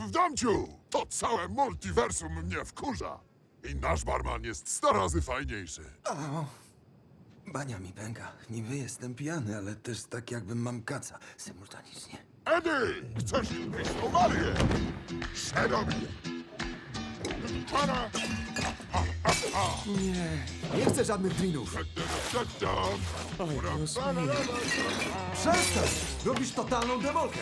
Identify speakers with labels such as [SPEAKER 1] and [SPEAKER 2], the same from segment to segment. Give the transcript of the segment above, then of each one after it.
[SPEAKER 1] Damciu! To całe multiversum mnie wkurza. I nasz barman jest 100 razy fajniejszy.
[SPEAKER 2] Bania mi pęka. Niby jestem pijany, ale też tak jakbym mam kaca symultanicznie.
[SPEAKER 1] Edy! Chcesz wyjść tą Marię? Szerobi! Para!
[SPEAKER 2] Nie chcę żadnych drinów. Przestań! Robisz totalną demolkę.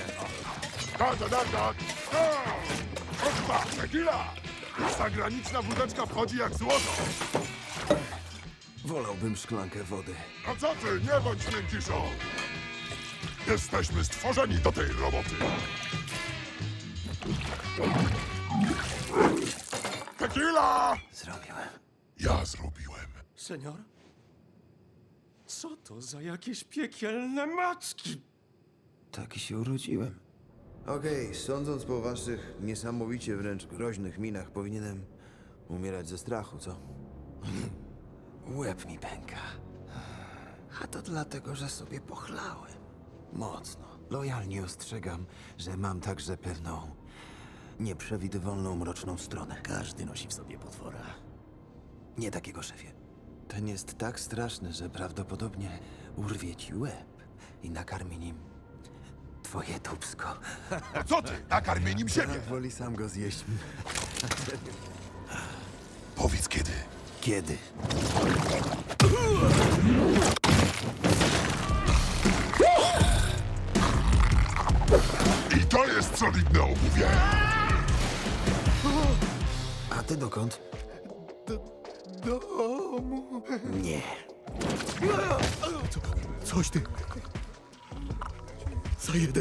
[SPEAKER 1] Opa, tequila! Zagraniczna wódeczka wchodzi jak złoto.
[SPEAKER 2] Wolałbym szklankę wody.
[SPEAKER 1] A co ty, nie bądź miękiszą! Jesteśmy stworzeni do tej roboty. Tequila!
[SPEAKER 2] Zrobiłem.
[SPEAKER 1] Ja zrobiłem.
[SPEAKER 3] Senior? Co to za jakieś piekielne macki?
[SPEAKER 2] Taki się urodziłem.
[SPEAKER 4] Okej, sądząc po waszych niesamowicie wręcz groźnych minach, powinienem umierać ze strachu, co?
[SPEAKER 2] Łeb mi pęka. A to dlatego, że sobie pochlałem. Mocno. Lojalnie ostrzegam, że mam także pewną nieprzewidywalną, mroczną stronę.
[SPEAKER 3] Każdy nosi w sobie potwora.
[SPEAKER 2] Nie takiego, szefie. Ten jest tak straszny, że prawdopodobnie urwie ci łeb i nakarmi nim twoje dupsko.
[SPEAKER 1] A co ty? Nakarmię nim siebie.
[SPEAKER 2] Woli sam go zjeść.
[SPEAKER 1] Powiedz kiedy.
[SPEAKER 2] Kiedy?
[SPEAKER 1] I to jest solidne obuwie.
[SPEAKER 2] A ty dokąd?
[SPEAKER 3] Do domu.
[SPEAKER 2] Nie.
[SPEAKER 3] Coś ty. Za jeden.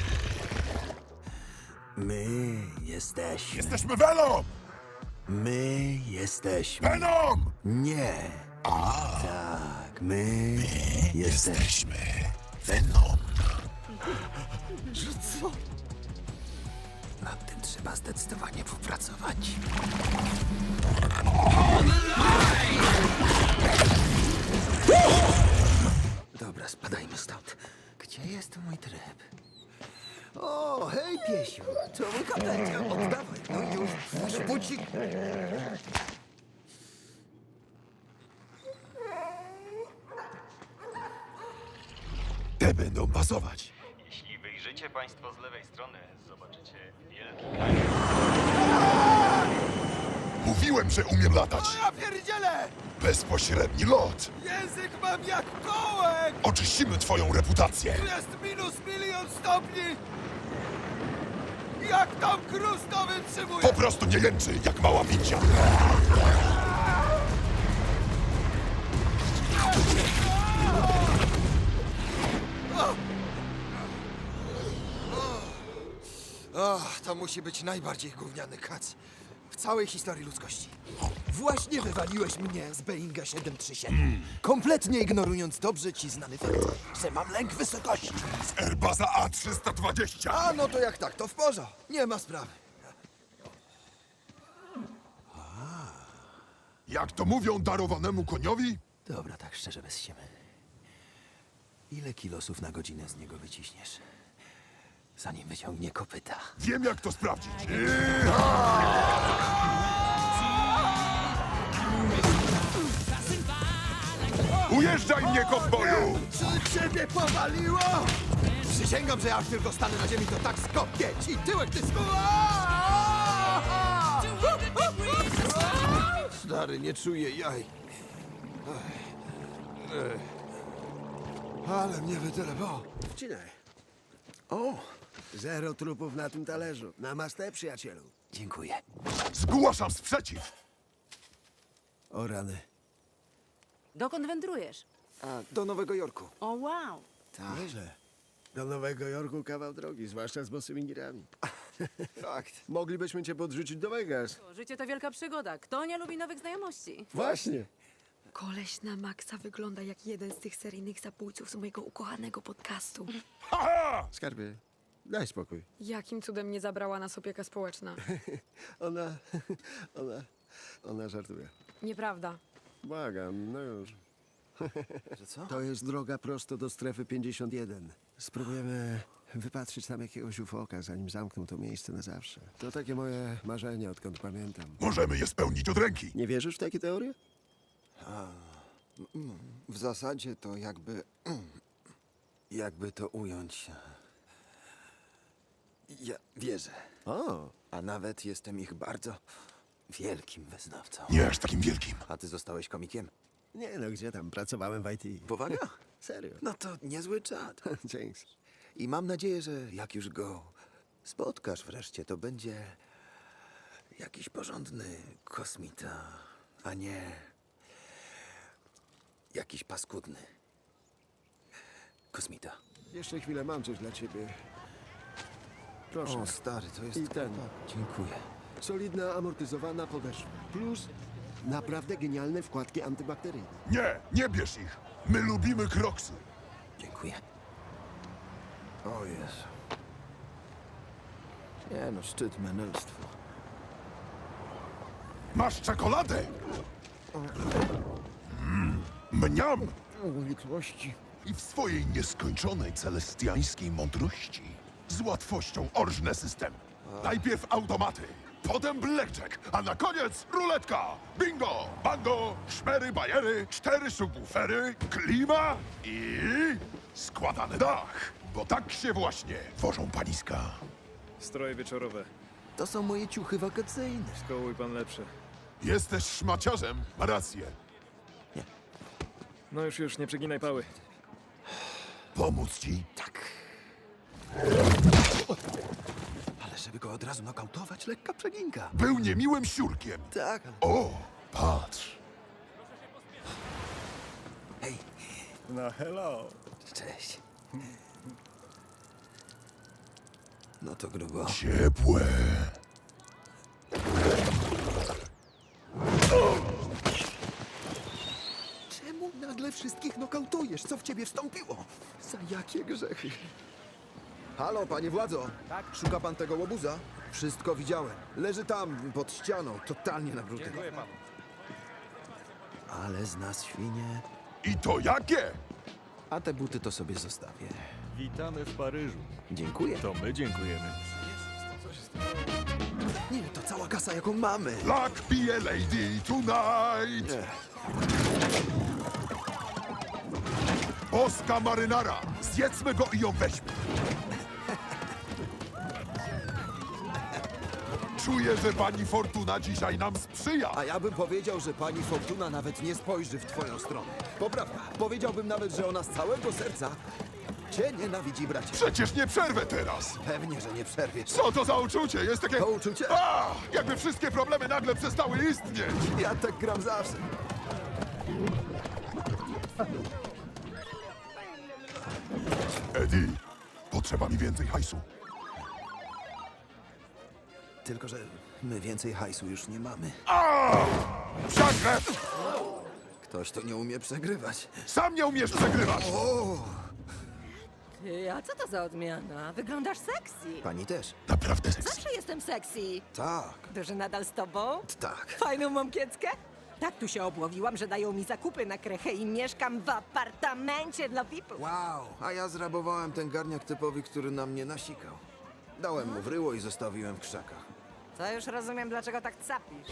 [SPEAKER 2] My jesteśmy.
[SPEAKER 1] Jesteśmy Venom!
[SPEAKER 2] My jesteśmy.
[SPEAKER 1] Venom!
[SPEAKER 2] Nie. Tak, my jesteśmy.
[SPEAKER 1] Venom.
[SPEAKER 3] Że co?
[SPEAKER 2] Nad tym trzeba zdecydowanie popracować. Dobra, spadajmy stąd. Gdzie jest mój tryb? O, hej, piesiu! To mój kapelcia. Oddawaj. No już, puść bucik.
[SPEAKER 1] Te będą pasować.
[SPEAKER 5] Jeśli wyjrzycie Państwo z lewej strony, zobaczycie wielki kanion.
[SPEAKER 1] Mówiłem, że umiem latać.
[SPEAKER 3] Ja pierdzielę!
[SPEAKER 1] Bezpośredni lot.
[SPEAKER 3] Język mam jak kołek!
[SPEAKER 1] Oczyścimy twoją reputację.
[SPEAKER 3] Tu jest minus 1 000 000 stopni! Jak tam Cruz to wytrzymuje?
[SPEAKER 1] Po prostu nie jęczy, jak mała pincia.
[SPEAKER 2] To musi być najbardziej gówniany kac w całej historii ludzkości. Właśnie wywaliłeś mnie z Boeinga 737, kompletnie ignorując dobrze ci znany fakt, że mam lęk wysokości.
[SPEAKER 1] Z Airbusa A320.
[SPEAKER 2] A, no to jak tak, to w porządku. Nie ma sprawy.
[SPEAKER 1] Jak to mówią darowanemu koniowi?
[SPEAKER 2] Dobra, tak szczerze, bez siemy. Ile kilosów na godzinę z niego wyciśniesz, zanim wyciągnie kopyta?
[SPEAKER 1] Wiem, jak to sprawdzić. Ujeżdżaj mnie, kowboju!
[SPEAKER 2] Czy ciebie powaliło? Przysięgam, że jak tylko stanę na ziemi, to tak skopię ci tyłek, ty Stary, nie czuję jaj. Ale mnie wytelepało.
[SPEAKER 4] Wcinaj. O! Zero trupów na tym talerzu. Namaste, przyjacielu.
[SPEAKER 2] Dziękuję.
[SPEAKER 1] Zgłaszam sprzeciw.
[SPEAKER 4] O rany.
[SPEAKER 6] Dokąd wędrujesz?
[SPEAKER 2] A, do Nowego Jorku.
[SPEAKER 6] O, wow.
[SPEAKER 4] Tak. Nieźle. Do Nowego Jorku kawał drogi, zwłaszcza z bosymi girami.
[SPEAKER 2] Fakt.
[SPEAKER 4] Moglibyśmy cię podrzucić do Vegas.
[SPEAKER 6] Życie to wielka przygoda. Kto nie lubi nowych znajomości?
[SPEAKER 4] Właśnie.
[SPEAKER 7] Koleś na maksa wygląda jak jeden z tych seryjnych zabójców z mojego ukochanego podcastu.
[SPEAKER 4] Skarbie, daj spokój.
[SPEAKER 7] Jakim cudem nie zabrała nas opieka społeczna?
[SPEAKER 4] Ona... Ona żartuje.
[SPEAKER 7] Nieprawda.
[SPEAKER 4] Błagam, no już.
[SPEAKER 2] Że co?
[SPEAKER 4] To jest droga prosto do strefy 51. Spróbujemy
[SPEAKER 8] wypatrzyć tam jakiegoś ufoka, zanim zamkną to miejsce na zawsze. To takie moje marzenie, odkąd pamiętam.
[SPEAKER 1] Możemy je spełnić od ręki.
[SPEAKER 8] Nie wierzysz w takie teorie?
[SPEAKER 2] W zasadzie to jakby... Jakby to ująć... Ja wierzę.
[SPEAKER 8] O,
[SPEAKER 2] A nawet jestem ich bardzo wielkim wyznawcą.
[SPEAKER 1] Nie aż takim wielkim.
[SPEAKER 2] A ty zostałeś komikiem?
[SPEAKER 8] nie no, gdzie tam, pracowałem w IT.
[SPEAKER 2] Powaga?
[SPEAKER 8] Serio.
[SPEAKER 2] No to niezły czad.
[SPEAKER 8] Dzięki.
[SPEAKER 2] I mam nadzieję, że jak już go spotkasz wreszcie, to będzie jakiś porządny kosmita, a nie jakiś paskudny kosmita.
[SPEAKER 8] Jeszcze chwilę, mam coś dla ciebie. Proszę.
[SPEAKER 2] O, stary, to jest...
[SPEAKER 8] I ten.
[SPEAKER 2] Dziękuję.
[SPEAKER 8] Solidna, amortyzowana podeszwa. Plus naprawdę genialne wkładki antybakteryjne.
[SPEAKER 1] Nie bierz ich. My lubimy kroksy.
[SPEAKER 2] Dziękuję. O Jezu. Nie no, szczyt menelstwa.
[SPEAKER 1] Masz czekoladę? Mniam!
[SPEAKER 2] Litwości.
[SPEAKER 1] I w swojej nieskończonej celestiańskiej mądrości z łatwością orżne systemy. Najpierw automaty, potem blackjack, a na koniec ruletka. Bingo, bango, szmery, bajery, 4 subwoofery, klima i składany dach. Bo tak się właśnie tworzą paniska.
[SPEAKER 9] Stroje wieczorowe.
[SPEAKER 2] To są moje ciuchy wakacyjne.
[SPEAKER 9] Skołuj pan lepsze.
[SPEAKER 1] Jesteś szmaciarzem, ma rację.
[SPEAKER 9] No już, nie przeginaj pały.
[SPEAKER 1] Pomóc ci?
[SPEAKER 2] Tak. Ale żeby go od razu nokautować, lekka przeginka.
[SPEAKER 1] Był niemiłym siurkiem.
[SPEAKER 2] Tak, ale...
[SPEAKER 1] O, patrz.
[SPEAKER 2] Hej,
[SPEAKER 8] No hello.
[SPEAKER 2] cześć. No to grubo.
[SPEAKER 1] Ciepłe.
[SPEAKER 2] Czemu nagle wszystkich nokautujesz? Co w ciebie wstąpiło? Za jakie grzechy? Halo, panie władzo. Tak? Szuka pan tego łobuza? Wszystko widziałem. Leży tam, pod ścianą, totalnie na brudy. Dziękuję panu. Ale z nas świnie.
[SPEAKER 1] I to jakie?
[SPEAKER 2] A te buty to sobie zostawię.
[SPEAKER 9] Witamy w Paryżu.
[SPEAKER 2] Dziękuję.
[SPEAKER 9] To my dziękujemy.
[SPEAKER 2] Nie, to cała kasa, jaką mamy.
[SPEAKER 1] Luck be a lady tonight. Boska marynara. Zjedzmy go i ją weźmy. Czuję, że pani Fortuna dzisiaj nam sprzyja.
[SPEAKER 2] A ja bym powiedział, że pani Fortuna nawet nie spojrzy w twoją stronę. Poprawka. Powiedziałbym nawet, że ona z całego serca cię nienawidzi, bracie.
[SPEAKER 1] Przecież nie przerwę teraz.
[SPEAKER 2] Pewnie, że nie przerwiesz.
[SPEAKER 1] Co to za uczucie? Jest takie...
[SPEAKER 2] To uczucie?
[SPEAKER 1] A! Jakby wszystkie problemy nagle przestały istnieć.
[SPEAKER 2] Ja tak gram zawsze.
[SPEAKER 1] Eddie, potrzeba mi więcej hajsu.
[SPEAKER 2] Tylko, że my więcej hajsu już nie mamy.
[SPEAKER 1] Przegrę!
[SPEAKER 2] Ktoś to nie umie przegrywać.
[SPEAKER 1] Sam nie umiesz przegrywać.
[SPEAKER 6] Ty, a co to za odmiana? Wyglądasz sexy.
[SPEAKER 2] Pani też?
[SPEAKER 1] Naprawdę seks.
[SPEAKER 6] Zawsze jestem sexy.
[SPEAKER 2] Tak,
[SPEAKER 6] Duży nadal z tobą?
[SPEAKER 2] tak.
[SPEAKER 6] Fajną mam kieckę? Tak tu się obłowiłam, że dają mi zakupy na krechę i mieszkam w apartamencie dla VIP-ów.
[SPEAKER 2] Wow, a ja zrabowałem ten garniak typowi, który na mnie nasikał. Dałem mu w ryło i zostawiłem w krzakach.
[SPEAKER 6] To już rozumiem, dlaczego tak capisz.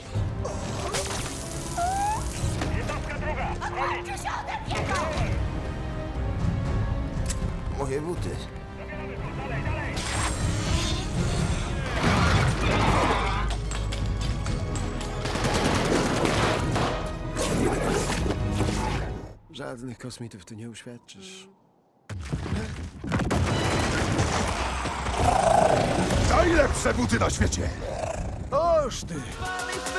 [SPEAKER 2] Moje buty.
[SPEAKER 8] Żadnych kosmitów tu nie uświadczysz.
[SPEAKER 1] Najlepsze buty na świecie.
[SPEAKER 8] Oż ty!